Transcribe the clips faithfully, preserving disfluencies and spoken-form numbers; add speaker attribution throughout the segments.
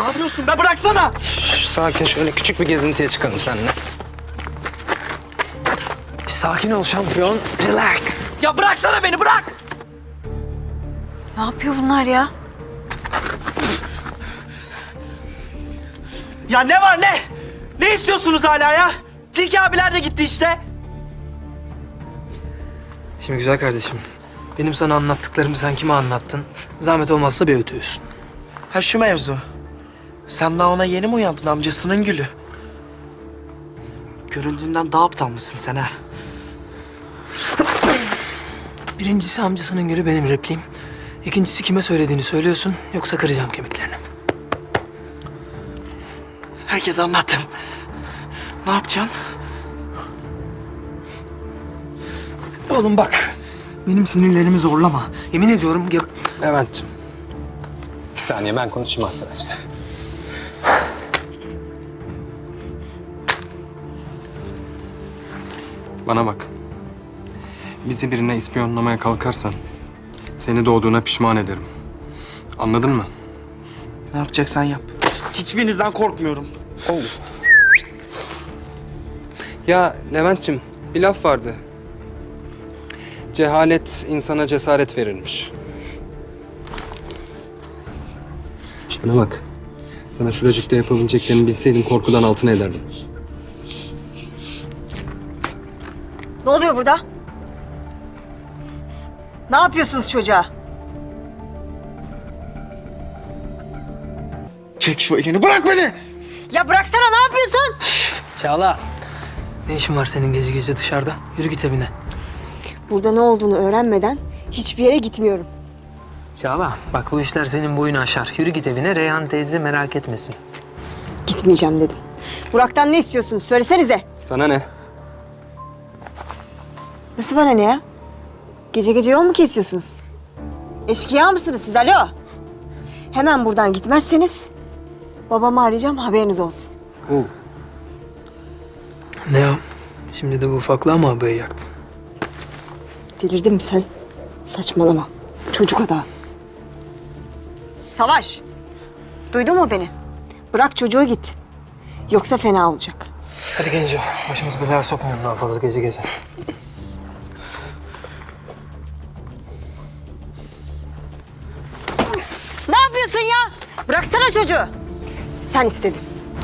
Speaker 1: yapıyorsun be? Bıraksana!
Speaker 2: Şş, sakin, şöyle küçük bir gezintiye çıkalım seninle. Sakin ol şampiyon. Relax.
Speaker 1: Ya bıraksana beni, bırak!
Speaker 3: Ne yapıyor bunlar ya?
Speaker 1: Ya ne var ne? Ne istiyorsunuz hala ya? Tilki abiler de gitti işte.
Speaker 4: Şimdi güzel kardeşim, benim sana anlattıklarımı sen kime anlattın? Zahmet olmazsa bir ötüyorsun.
Speaker 1: Ha şu mevzu. Sen daha ona yeni mi uyandın amcasının gülü? Göründüğünden daha aptal mısın sen ha?
Speaker 4: Birincisi amcasının gülü benim repliğim. İkincisi kime söylediğini söylüyorsun yoksa kıracağım kemiklerini.
Speaker 1: Herkese anlattım. Ne yapacaksın?
Speaker 4: Oğlum bak, benim sinirlerimi zorlama. Yemin ediyorum ya...
Speaker 2: Levent'ciğim. Bir saniye, ben konuşayım arkadaşlar. Bana bak. Bizi birine ispiyonlamaya kalkarsan seni doğduğuna pişman ederim. Anladın mı?
Speaker 1: Ne yapacaksan yap. Hiçbirinizden korkmuyorum.
Speaker 2: Ya Levent'ciğim, bir laf vardı. Cehalet insana cesaret verirmiş. Bana bak. Sana şuracıkta yapabileceklerini bilseydim korkudan altına ederdim.
Speaker 3: Ne oluyor burada? Ne yapıyorsunuz çocuğa?
Speaker 1: Çek şu elini, bırak beni!
Speaker 3: Ya bıraksana, ne yapıyorsun?
Speaker 4: Çağla, ne işin var senin gece gece dışarıda? Yürü git evine.
Speaker 3: Burada ne olduğunu öğrenmeden hiçbir yere gitmiyorum.
Speaker 4: Çağla, bak bu işler senin boyunu aşar. Yürü git evine, Reyhan teyze merak etmesin.
Speaker 3: Gitmeyeceğim dedim. Burak'tan ne istiyorsunuz? Söylesenize.
Speaker 2: Sana ne?
Speaker 3: Nasıl bana ne ya? Gece gece yol mu kesiyorsunuz? Eşkıya mısınız siz? Alo. Hemen buradan gitmezseniz babamı arayacağım, haberiniz olsun.
Speaker 2: Oo.
Speaker 4: Ne o? Şimdi de bu ufaklığa mı abayı yaktın?
Speaker 3: Delirdin mi sen? Saçmalama. Çocuk adam. Savaş. Duydun mu beni? Bırak çocuğu git. Yoksa fena olacak.
Speaker 4: Hadi Genco, başımızı belaya sokmayalım daha fazla gece gece.
Speaker 3: Ne yapıyorsun ya? Bıraksana çocuğu. Sen istedin.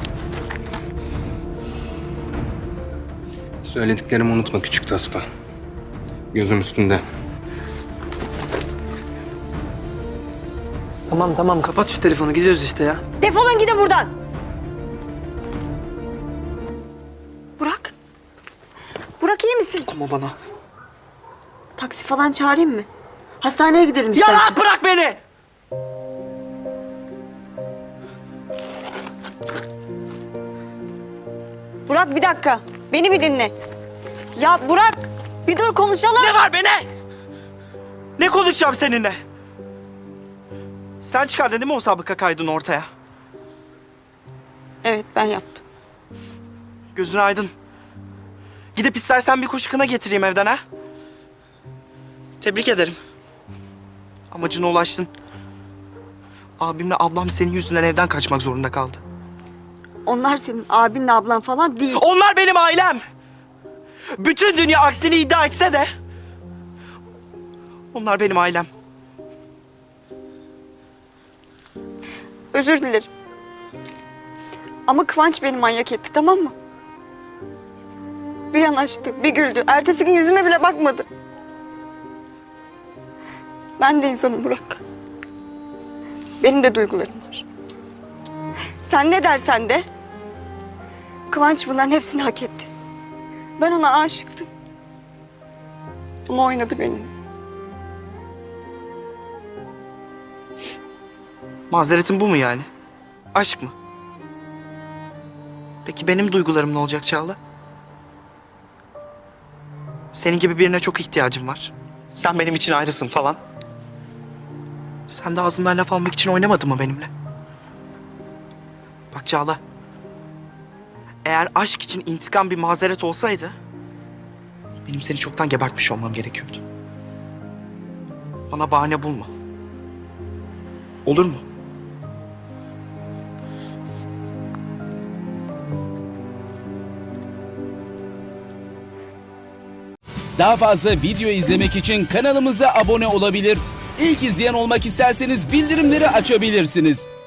Speaker 2: Söylediklerimi unutma küçük taspa. Gözüm üstünde.
Speaker 4: Tamam tamam, kapat şu telefonu, gidiyoruz işte ya.
Speaker 3: Defolun gidin buradan. Burak. Burak iyi misin?
Speaker 1: Ama bana.
Speaker 3: Taksi falan çağırayım mı? Hastaneye gidelim
Speaker 1: Ya
Speaker 3: istersen.
Speaker 1: rahat bırak beni!
Speaker 3: Burak bir dakika. Beni bir dinle. Ya Burak bir dur konuşalım.
Speaker 1: Ne var be ne? Ne konuşacağım seninle? Sen çıkardın değil mi o sabıka kaydını ortaya?
Speaker 3: Evet ben yaptım.
Speaker 1: Gözün aydın. Gidip istersen bir kuş kına getireyim evden ha? Tebrik ederim. Amacına ulaştın. Abimle ablam senin yüzünden evden kaçmak zorunda kaldı.
Speaker 3: Onlar senin abinle ablan falan değil.
Speaker 1: Onlar benim ailem. Bütün dünya aksini iddia etse de... onlar benim ailem.
Speaker 3: Özür dilerim. Ama Kıvanç beni manyak etti, tamam mı? Bir yanaştı, bir güldü. Ertesi gün yüzüme bile bakmadı. Ben de insanım Burak. Benim de duygularım var. Sen ne dersen de... Kıvanç bunların hepsini hak etti. Ben ona aşıktım. Ama oynadı benimle.
Speaker 1: Mazeretin bu mu yani? Aşk mı? Peki benim duygularım ne olacak Çağla? Senin gibi birine çok ihtiyacım var. Sen benim için ayrısın falan. Sen de ağzımdan laf almak için oynamadın mı benimle? Bak Çağla. Eğer aşk için intikam bir mazeret olsaydı... benim seni çoktan gebertmiş olmam gerekiyordu. Bana bahane bulma. Olur mu?
Speaker 5: Daha fazla video izlemek için kanalımıza abone olabilir. İlk izleyen olmak isterseniz bildirimleri açabilirsiniz.